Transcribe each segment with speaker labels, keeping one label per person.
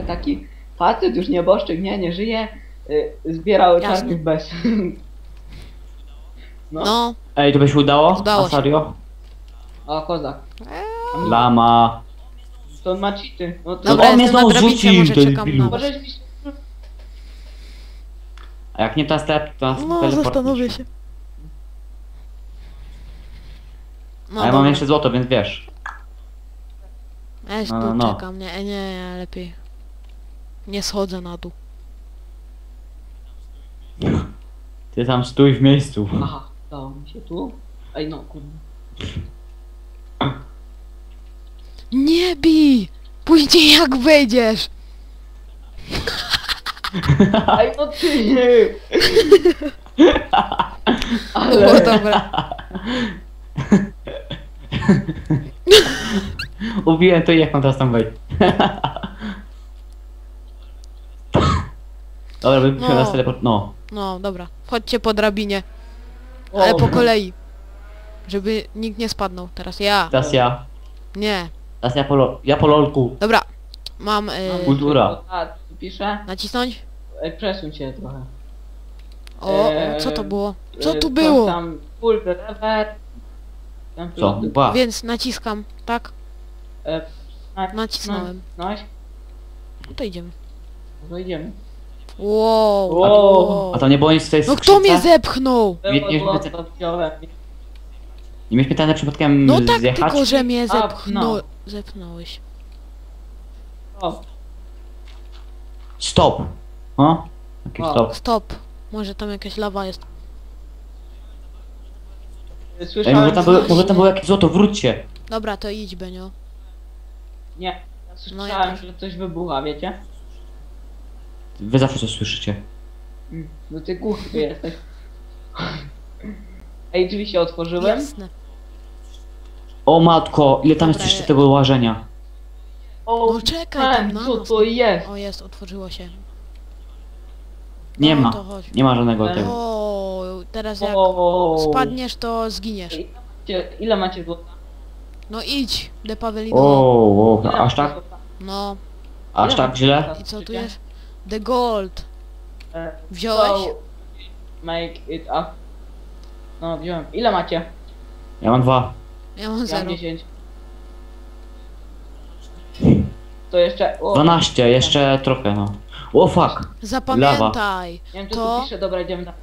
Speaker 1: taki facet, już nieboszczyk, nie żyje, zbierał
Speaker 2: Jasne.
Speaker 1: czarnych bez.
Speaker 2: No.
Speaker 3: Ej, to by się udało?
Speaker 2: Udało
Speaker 3: A
Speaker 2: się.
Speaker 3: serio?
Speaker 1: O, kozak.
Speaker 3: Lama.
Speaker 1: To on ma cheaty. No to
Speaker 2: Dobra,
Speaker 3: on mnie
Speaker 2: jestem na
Speaker 3: znowu
Speaker 2: drabince,
Speaker 3: rzucił,
Speaker 2: może
Speaker 3: to
Speaker 2: czekam
Speaker 3: debilu.
Speaker 2: na was.
Speaker 1: możesz mi...
Speaker 3: A jak nie ta step, to
Speaker 2: No,
Speaker 3: teleport.
Speaker 2: zastanowię się. No,
Speaker 3: A ja mam jeszcze złoto, więc wiesz.
Speaker 2: Ja się
Speaker 3: No,
Speaker 2: tu
Speaker 3: no.
Speaker 2: czekam, nie, ja lepiej. Nie schodzę na dół.
Speaker 3: Ty tam stój w miejscu.
Speaker 1: Aha, dało mi się tu. Ej, no kurde.
Speaker 2: Nie bij! Później jak wejdziesz!
Speaker 1: Ej, no ty nie!
Speaker 2: To było dobre.
Speaker 3: Ubiłem to i jak mam teraz tam wejść. Dobra, bym musiał
Speaker 2: No.
Speaker 3: nas teleport. No.
Speaker 2: No, dobra. Chodźcie po drabinie.
Speaker 1: O,
Speaker 2: Ale po kolei. Żeby nikt nie spadnął. Teraz ja.
Speaker 3: Teraz ja.
Speaker 2: Nie.
Speaker 3: Teraz ja po lolku.
Speaker 2: Dobra. Mam...
Speaker 1: Mam
Speaker 3: Kultura.
Speaker 1: A, tu piszę.
Speaker 2: nacisnąć?
Speaker 1: Ej, przesuń się trochę.
Speaker 2: O, co to było? Co tu
Speaker 1: Coś
Speaker 2: było?
Speaker 1: Tam full lever. Tam
Speaker 3: Co? Ba.
Speaker 2: Więc naciskam, tak?
Speaker 1: na,
Speaker 2: Nacisnąłem.
Speaker 1: No,
Speaker 2: No to idziemy.
Speaker 1: no idziemy.
Speaker 2: Wow.
Speaker 1: Wow.
Speaker 3: A tam nie było nic w tej
Speaker 2: No
Speaker 3: skrzynce?
Speaker 2: kto mnie zepchnął?
Speaker 3: nie
Speaker 1: Było
Speaker 3: widzę.
Speaker 1: to wziąłem.
Speaker 3: Nie miałeś pytania przypadkiem
Speaker 2: No tak,
Speaker 3: zjechać?
Speaker 2: tylko że mnie
Speaker 1: A, no.
Speaker 2: zepchnąłeś.
Speaker 1: O,
Speaker 3: Stop. O? Jaki
Speaker 1: O.
Speaker 3: stop?
Speaker 2: Stop. Może tam jakaś lawa jest.
Speaker 3: Ej,
Speaker 1: słyszałem,
Speaker 3: może tam było jakieś złoto, wróćcie.
Speaker 2: Dobra, to idź, Benio.
Speaker 1: Nie, ja
Speaker 2: No
Speaker 1: słyszałem,
Speaker 2: ja też.
Speaker 1: że coś wybucha, wiecie?
Speaker 3: Wy zawsze coś słyszycie.
Speaker 1: No ty głuchy jesteś. Ej, drzwi się otworzyłem.
Speaker 2: Jasne.
Speaker 3: O matko, ile tam jest
Speaker 2: Dobra,
Speaker 3: jeszcze tego łażenia?
Speaker 1: O,
Speaker 2: No czekaj tam na
Speaker 1: co
Speaker 2: nas.
Speaker 1: to jest?
Speaker 2: O, jest, otworzyło się.
Speaker 3: Nie
Speaker 2: No,
Speaker 3: ma.
Speaker 2: to chodź.
Speaker 3: Nie ma żadnego
Speaker 1: Ej.
Speaker 3: tego.
Speaker 2: O, teraz jak
Speaker 1: O,
Speaker 2: spadniesz, to zginiesz.
Speaker 1: Ej, ile macie złota?
Speaker 2: No idź, de Pawelino.
Speaker 3: O,
Speaker 1: Ile
Speaker 3: aż
Speaker 1: macie
Speaker 3: tak?
Speaker 1: złota?
Speaker 2: No,
Speaker 3: Aż
Speaker 1: Ile
Speaker 3: tak
Speaker 1: macie
Speaker 3: źle?
Speaker 1: złota?
Speaker 2: i co tu jest? The Gold.
Speaker 1: E,
Speaker 2: Wziąłeś?
Speaker 1: so, Make it up. No, wziąłem. Ile macie?
Speaker 3: Ja mam 2.
Speaker 2: Ja mam
Speaker 1: Ja
Speaker 2: 0.
Speaker 1: mam 10. To jeszcze... O,
Speaker 3: 12, jeszcze trochę, no. O fuck.
Speaker 2: Zapamiętaj.
Speaker 1: nie wiem, co
Speaker 2: to-
Speaker 1: tu pisze, dobra, idziemy tam.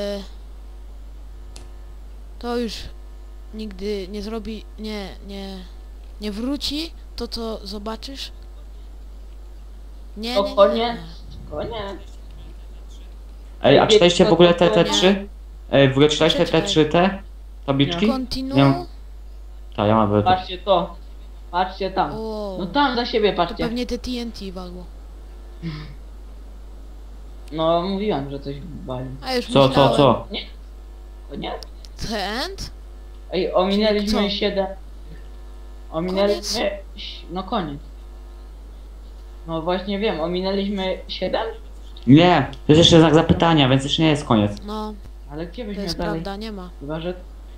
Speaker 2: To już nigdy nie zrobi, nie wróci to, co zobaczysz. Nie,
Speaker 1: To
Speaker 2: nie, nie.
Speaker 1: koniec. Koniec.
Speaker 3: Ej, a czytaliście w ogóle te
Speaker 2: Nie.
Speaker 3: 3? Ej, w ogóle czytaliście te
Speaker 2: Czekaj.
Speaker 3: 3 te tabliczki?
Speaker 2: Continue.
Speaker 3: Ja mam- Tak, ja mam
Speaker 1: Patrzcie to. Patrzcie tam.
Speaker 2: O,
Speaker 1: No tam za siebie
Speaker 2: to
Speaker 1: patrzcie.
Speaker 2: pewnie te TNT walło.
Speaker 1: No mówiłem, że coś wali.
Speaker 2: A już
Speaker 3: Co?
Speaker 1: Koniec?
Speaker 2: Tent?
Speaker 1: Ej, ominęliśmy
Speaker 2: Co?
Speaker 1: 7. Ominęliśmy... No koniec. No właśnie wiem, ominęliśmy 7?
Speaker 3: Nie, to jest jeszcze znak zapytania, więc jeszcze nie jest koniec.
Speaker 2: No,
Speaker 1: Ale gdzie
Speaker 2: to
Speaker 1: byśmy
Speaker 2: jest
Speaker 1: dalej?
Speaker 2: prawda, nie ma.
Speaker 1: Chyba, że...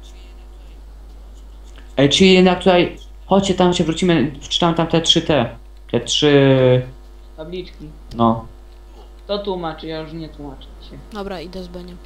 Speaker 3: Ej, czyli jednak tutaj... Chodźcie, tam się wrócimy, wczytamy tam te 3 te. Te 3...
Speaker 1: Tabliczki.
Speaker 3: No.
Speaker 1: To tłumaczy, ja już nie tłumaczę się.
Speaker 2: Dobra, idę z Beniem.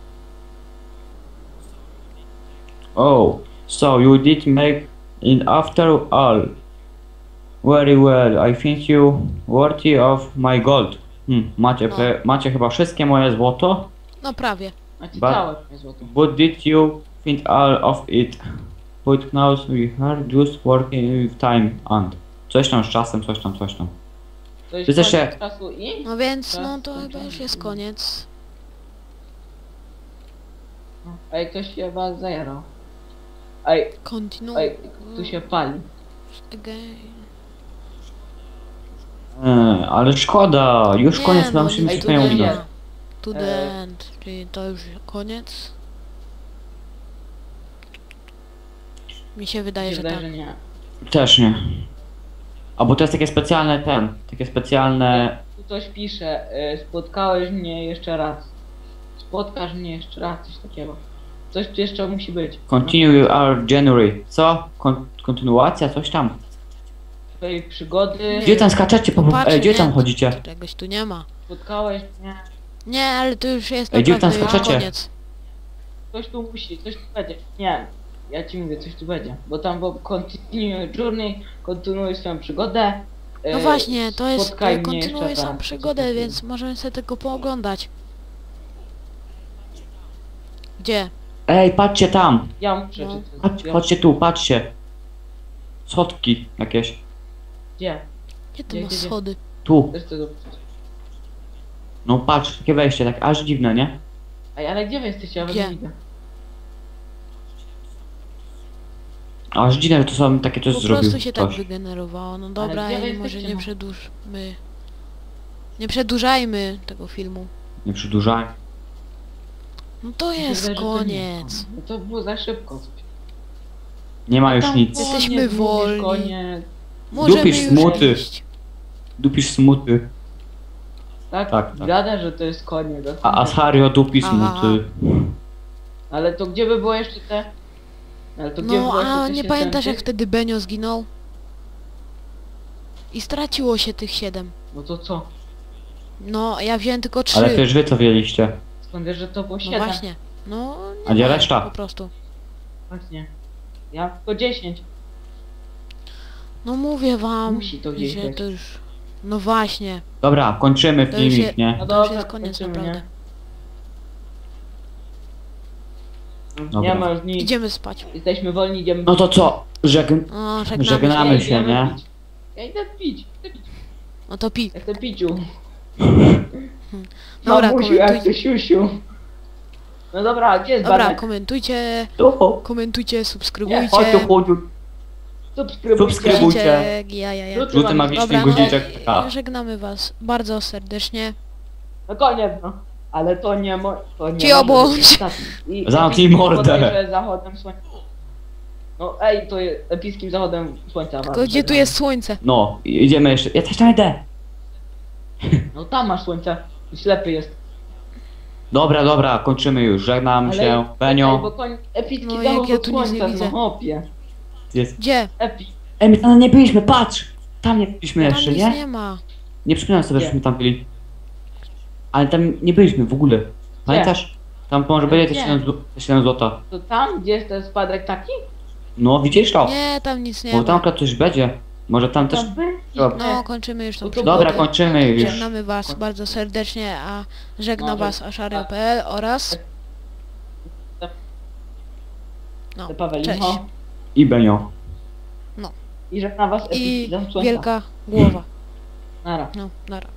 Speaker 3: Oh, so you did make it after all. Very well, I think you worthy of my gold. Macie,
Speaker 2: No.
Speaker 3: macie chyba wszystkie moje złoto,
Speaker 2: No prawie.
Speaker 1: Macie
Speaker 3: Ba-
Speaker 1: całe moje złoto.
Speaker 3: but did you think all of it? But now we are just working with time and... Coś tam z czasem, coś tam.
Speaker 1: To jest
Speaker 3: Ty też się-
Speaker 1: koniec czasu i...
Speaker 2: No więc,
Speaker 1: Tak,
Speaker 2: no to
Speaker 1: tak,
Speaker 2: chyba
Speaker 1: tak.
Speaker 2: już jest koniec.
Speaker 1: Ej, ktoś się was zajarał. Ej,
Speaker 2: Continue.
Speaker 1: ej, tu się pali.
Speaker 2: Again.
Speaker 3: Ale szkoda, już
Speaker 2: Nie,
Speaker 3: koniec,
Speaker 2: no,
Speaker 3: nam się
Speaker 1: ej,
Speaker 3: wszystko nie
Speaker 1: tutaj
Speaker 3: uda.
Speaker 1: jest.
Speaker 2: To the end. Czyli to już koniec. Mi się wydaje, że
Speaker 1: Wydaje,
Speaker 2: tak.
Speaker 1: że nie.
Speaker 3: Też nie. A bo to jest takie specjalne takie specjalne...
Speaker 1: Tu coś pisze, spotkałeś mnie jeszcze raz. Spotkasz mnie jeszcze raz, coś takiego. Coś tu jeszcze musi być.
Speaker 3: Continue our January. Co? Kontynuacja? Coś tam.
Speaker 1: swojej przygody.
Speaker 3: Gdzie tam skaczecie?
Speaker 2: Patrz,
Speaker 3: Gdzie tam
Speaker 2: nie,
Speaker 3: chodzicie?
Speaker 2: Czegoś tu nie ma.
Speaker 1: Spotkałeś mnie.
Speaker 2: Nie, ale to już jest
Speaker 3: Ej, gdzie tam
Speaker 2: naprawdę
Speaker 3: skaczecie?
Speaker 2: koniec.
Speaker 1: Coś tu musi, coś tu będzie. Nie, ja ci mówię, coś tu będzie. Bo tam bo continue journey, kontynuuj swoją przygodę.
Speaker 2: No właśnie, to jest,
Speaker 1: spotkaj mnie
Speaker 2: kontynuuje
Speaker 1: jeszcze
Speaker 2: sam
Speaker 1: raz.
Speaker 2: przygodę, więc możemy sobie tego pooglądać. Gdzie?
Speaker 3: Ej, patrzcie tam!
Speaker 1: Ja muszę
Speaker 2: No.
Speaker 1: przeczytać.
Speaker 3: Patrzcie tu, patrzcie. Schodki jakieś.
Speaker 1: Gdzie?
Speaker 2: Gdzie ty
Speaker 1: Gdzie,
Speaker 2: masz
Speaker 1: gdzie, gdzie?
Speaker 2: schody?
Speaker 3: Tu.
Speaker 1: Też to dobrze.
Speaker 3: No patrz, takie wejście, tak aż dziwne, nie?
Speaker 1: Ej, ale gdzie wy jesteście? Ja was
Speaker 2: Gdzie?
Speaker 1: nie widzę.
Speaker 3: Aż dziwne, że to są takie coś
Speaker 2: Po
Speaker 3: zrobił.
Speaker 2: prostu się tak
Speaker 3: Ktoś.
Speaker 2: wygenerowało. No dobra,
Speaker 1: gdzie wy
Speaker 2: może
Speaker 1: jesteście,
Speaker 2: nie
Speaker 1: no?
Speaker 2: przedłużmy. Nie przedłużajmy tego filmu.
Speaker 3: Nie przedłużaj.
Speaker 2: No to
Speaker 1: Mi się
Speaker 2: jest
Speaker 1: wydaje, że to nie.
Speaker 2: koniec.
Speaker 1: No to było za szybko.
Speaker 3: Nie ma już
Speaker 1: Tam
Speaker 3: nic.
Speaker 2: Jesteśmy
Speaker 1: koniec, mówisz,
Speaker 2: wolni.
Speaker 1: Koniec.
Speaker 2: Możemy
Speaker 3: Dupisz
Speaker 2: już
Speaker 3: smuty.
Speaker 2: iść.
Speaker 3: Dupisz smuty.
Speaker 1: Tak?
Speaker 3: Tak, tak.
Speaker 1: Gada, że to jest koniec.
Speaker 3: A Asario dupi
Speaker 2: Aha.
Speaker 3: smuty.
Speaker 1: Ale to gdzie by było jeszcze te... Ale to gdzie by
Speaker 2: No
Speaker 1: było jeszcze
Speaker 2: a
Speaker 1: te
Speaker 2: nie
Speaker 1: 7
Speaker 2: pamiętasz jak
Speaker 1: tych?
Speaker 2: wtedy Benio zginął? I straciło się tych 7.
Speaker 1: No to co?
Speaker 2: No, ja wziąłem tylko 3.
Speaker 3: Ale przecież wy co wiedzieliście.
Speaker 1: Skąd wiesz, że to było
Speaker 2: No
Speaker 1: 7?
Speaker 2: właśnie. No,
Speaker 3: A
Speaker 2: nie
Speaker 3: gdzie
Speaker 2: ma,
Speaker 3: reszta?
Speaker 2: po prostu.
Speaker 1: Właśnie. Ja tylko 10.
Speaker 2: No mówię wam,
Speaker 1: Musi to gdzieś
Speaker 2: że
Speaker 1: być.
Speaker 2: to już... No właśnie,
Speaker 3: Dobra, kończymy
Speaker 2: To już
Speaker 3: filmik,
Speaker 2: się-
Speaker 3: nie?
Speaker 1: No
Speaker 2: to już
Speaker 1: dobra,
Speaker 2: jest koniec
Speaker 1: kończymy,
Speaker 2: naprawdę.
Speaker 1: Nie
Speaker 3: Dobra.
Speaker 1: ma już nic.
Speaker 2: Idziemy spać.
Speaker 1: Jesteśmy wolni, idziemy.
Speaker 3: No to co?
Speaker 2: O,
Speaker 1: Ja
Speaker 2: żegnamy się.
Speaker 3: się,
Speaker 1: idziemy
Speaker 3: nie?
Speaker 1: pić. Ja idę pić. Chcę pić.
Speaker 2: No to pi.
Speaker 1: Ja chcę piciu.
Speaker 2: Dobra,
Speaker 1: Mamusiu, ja
Speaker 2: komentujcie.
Speaker 1: chcę siusiu. No dobra, a gdzie jest
Speaker 2: Dobra,
Speaker 1: Bartek?
Speaker 2: komentujcie,
Speaker 3: Tu,
Speaker 2: komentujcie,
Speaker 1: Nie, chodź
Speaker 2: subskrybujcie.
Speaker 3: chodź tu.
Speaker 1: Subskrybujcie.
Speaker 3: Subskrybujcie.
Speaker 2: Ja.
Speaker 1: Żółty
Speaker 3: Żółty
Speaker 1: magiczny
Speaker 3: magiczny
Speaker 2: Dobra,
Speaker 3: guziczek.
Speaker 2: no, żegnamy was bardzo serdecznie.
Speaker 1: No koniec, no. Ale to nie to nie
Speaker 2: Ci
Speaker 1: może
Speaker 2: obłądź.
Speaker 1: być ostatni. I
Speaker 3: Zamknij
Speaker 1: epickim
Speaker 3: mordę.
Speaker 1: bodajże zachodem słońca. No ej, to jest epickim zachodem słońca.
Speaker 2: Tylko gdzie tu jest słońce?
Speaker 3: No, idziemy jeszcze. Ja też tam idę.
Speaker 1: No tam masz słońce. Ślepy jest.
Speaker 3: Dobra, kończymy już. Żegnam się.
Speaker 1: Ej, bo
Speaker 3: Benio.
Speaker 1: epicki
Speaker 2: No, jak
Speaker 1: zachód
Speaker 2: ja
Speaker 1: od
Speaker 2: tu nic nie
Speaker 1: słońca,
Speaker 2: widzę.
Speaker 1: no hopie.
Speaker 3: Jest.
Speaker 2: Gdzie?
Speaker 1: Epic.
Speaker 3: Ej, my tam nie byliśmy, patrz! Tam nie byliśmy
Speaker 2: Tam
Speaker 3: jeszcze,
Speaker 2: nic
Speaker 3: nie?
Speaker 2: nie ma.
Speaker 3: Nie przypominam sobie,
Speaker 1: Gdzie?
Speaker 3: żeśmy tam byli. Ale tam nie byliśmy w ogóle. Pamiętasz? Tam może będzie
Speaker 1: Gdzie?
Speaker 3: te 7 złota.
Speaker 1: To tam, gdzie jest ten spadek taki?
Speaker 3: No, widzisz to?
Speaker 2: Nie, tam nic nie
Speaker 3: Bo tam
Speaker 2: ma.
Speaker 3: akurat coś będzie. Może tam też...
Speaker 1: Tam by?
Speaker 3: Dobra.
Speaker 2: No, kończymy już tą
Speaker 1: No to
Speaker 2: przygodę.
Speaker 3: Dobra, kończymy już.
Speaker 2: Żegnamy was bardzo serdecznie, a żegna
Speaker 1: No,
Speaker 2: was ashario.pl oraz... No,
Speaker 1: To Paweł
Speaker 2: cześć.
Speaker 1: Licho.
Speaker 3: I Benio.
Speaker 1: I żegna was
Speaker 2: I
Speaker 1: epicki zachód słońca.
Speaker 2: wielka głowa.
Speaker 1: Nara.
Speaker 2: No, nara.